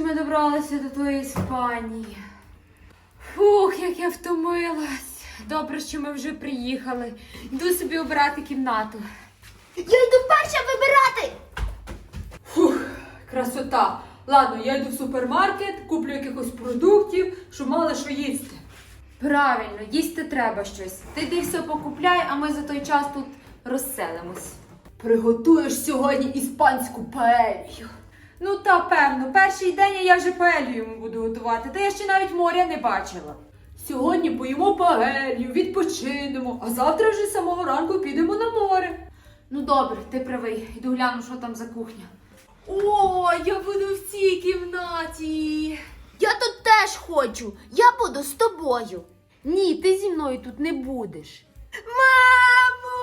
ми добралися до тої Іспанії. Фух, як я втомилась. Добре, що ми вже приїхали. Йду собі обирати кімнату. Я йду перша вибирати! Фух, красота. Ладно, я йду в супермаркет, куплю якихось продуктів, щоб мали що їсти. Правильно, їсти треба щось. Ти йди все покупляй, а ми за той час тут розселимось. Приготуєш сьогодні іспанську паелью. Ну та певно, перший день я вже паелью йому буду готувати, та я ще навіть моря не бачила. Сьогодні поїмо паелью, відпочинемо, а завтра вже з самого ранку підемо на море. Ну добре, ти правий, йду гляну, що там за кухня. О, я буду в цій кімнаті. Я тут теж хочу. Я буду з тобою. Ні, ти зі мною тут не будеш. Мамо!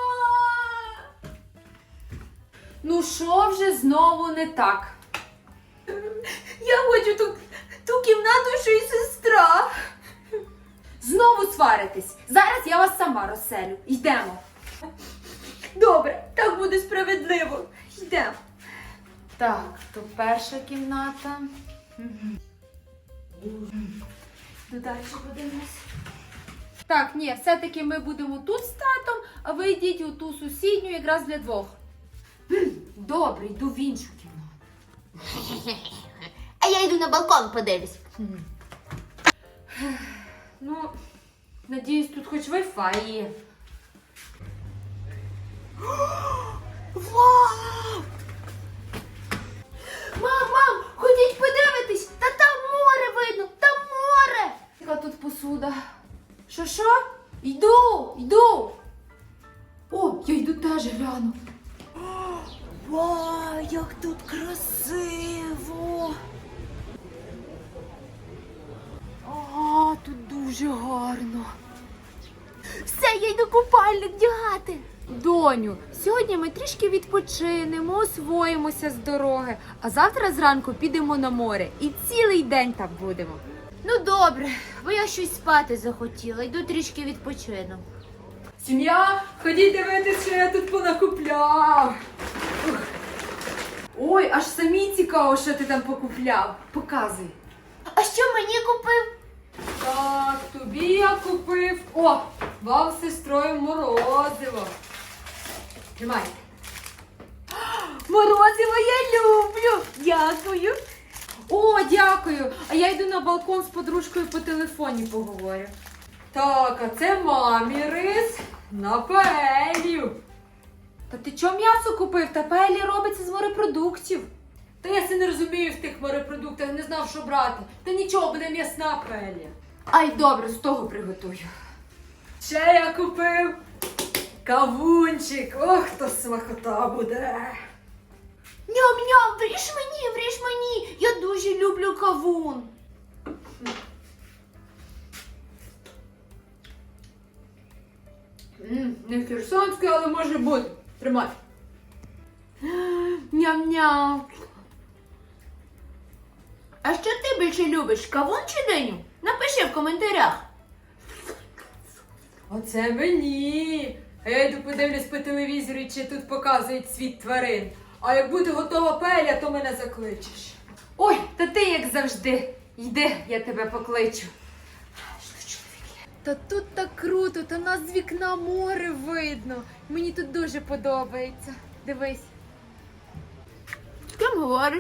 Ну що вже знову не так? Я хочу ту кімнату, що й сестра. Знову сваритесь. Зараз я вас сама розселю. Йдемо. Добре, так буде справедливо. Йдемо. Так, то перша кімната. Ну, далі подивимось. Так, ні, все-таки ми будемо тут з татом, а ви йдіть у ту сусідню якраз для двох. Добре, йду в іншу кімнату. А я йду на балкон подивлюсь. Ну, надіюсь, тут хоч Wi-Fi є. Вау! Мам, ходіть подивитись! Та там море видно! Там море! Яка тут посуда? Що? Йду! О, я йду теж гляну. Вау, як тут красиво! А, тут дуже гарно. Все, я йду купальник вдягати. Доню, сьогодні ми трішки відпочинемо, освоїмося з дороги, а завтра зранку підемо на море і цілий день там будемо. Ну добре, бо я щось спати захотіла. Йду трішки відпочину. Сім'я, ходіть дивитися, що я тут понакупляв. Ух. Ой, аж самі цікаво, що ти там покупляв. Показуй. А що мені купив? Так, тобі я купив. О, вам з сестрою морозиво. Тримайте. Морозиво я люблю. Дякую. О, дякую. А я йду на балкон з подружкою по телефоні поговорю. Так, а це мамі рис на паелью. Та ти чого м'ясо купив? Та паелля робиться з морепродуктів. Та я се не розумію в тих морепродуктах, не знав, що брати. Та нічого, буде м'ясна паелля. Ай, добре, з того приготую. Ще я купив кавунчик. Ох, то смакота буде. Ням-ням, вріж мені. Я дуже люблю кавун. Не херсонський, але може бути. Тримай. Ням-ням. А що ти більше любиш, кавун чи диню? Напиши в коментарях. Оце мені. А я йду подивлюсь по телевізору, чи тут показують світ тварин. А як буде готова паелля, то мене закличеш. Ой, та ти як завжди. Йди, я тебе покличу. Та тут так круто, та нас з вікна море видно. Мені тут дуже подобається. Дивись. З ким говориш?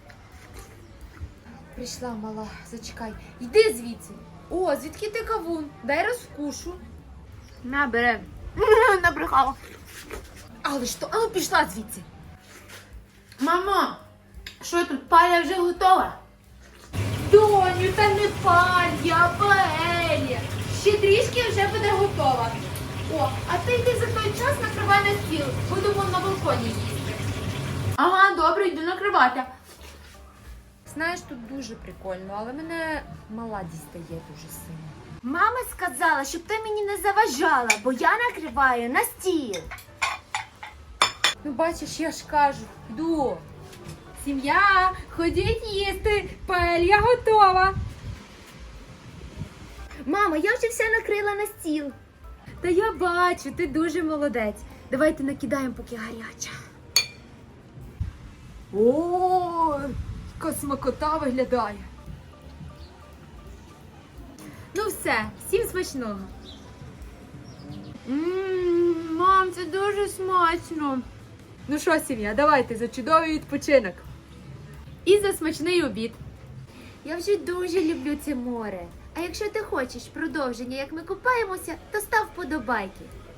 Прийшла мала, зачекай. Йди звідси. О, звідки ти кавун? Дай розкушу. На, бери. Набрехала. Але ж то, а ну пішла звідси. Мамо, що тут, паля вже готова? Доню, та не паля, а паелля. Ще трішки вже буде готова. О, а ти йди за той час накривай на стіл. Будемо на балконі їсти. Ага, добре, йду накривати. Знаєш, тут дуже прикольно, але мене мала дістає дуже сильно. Мама сказала, щоб ти мені не заважала, бо я накриваю на стіл. Ну бачиш, я ж кажу, йду. Сім'я, ходіть їсти, паелья готова. Мамо, я вже все накрила на стіл. Та я бачу, ти дуже молодець. Давайте накидаємо, поки гаряча. О, яка Яка смакота виглядає. Ну все, всім смачного. Мам, це дуже смачно. Ну що, сім'я, давайте за чудовий відпочинок. І за смачний обід. Я вже дуже люблю це море. А якщо ти хочеш продовження, як ми купаємося, то став вподобайки.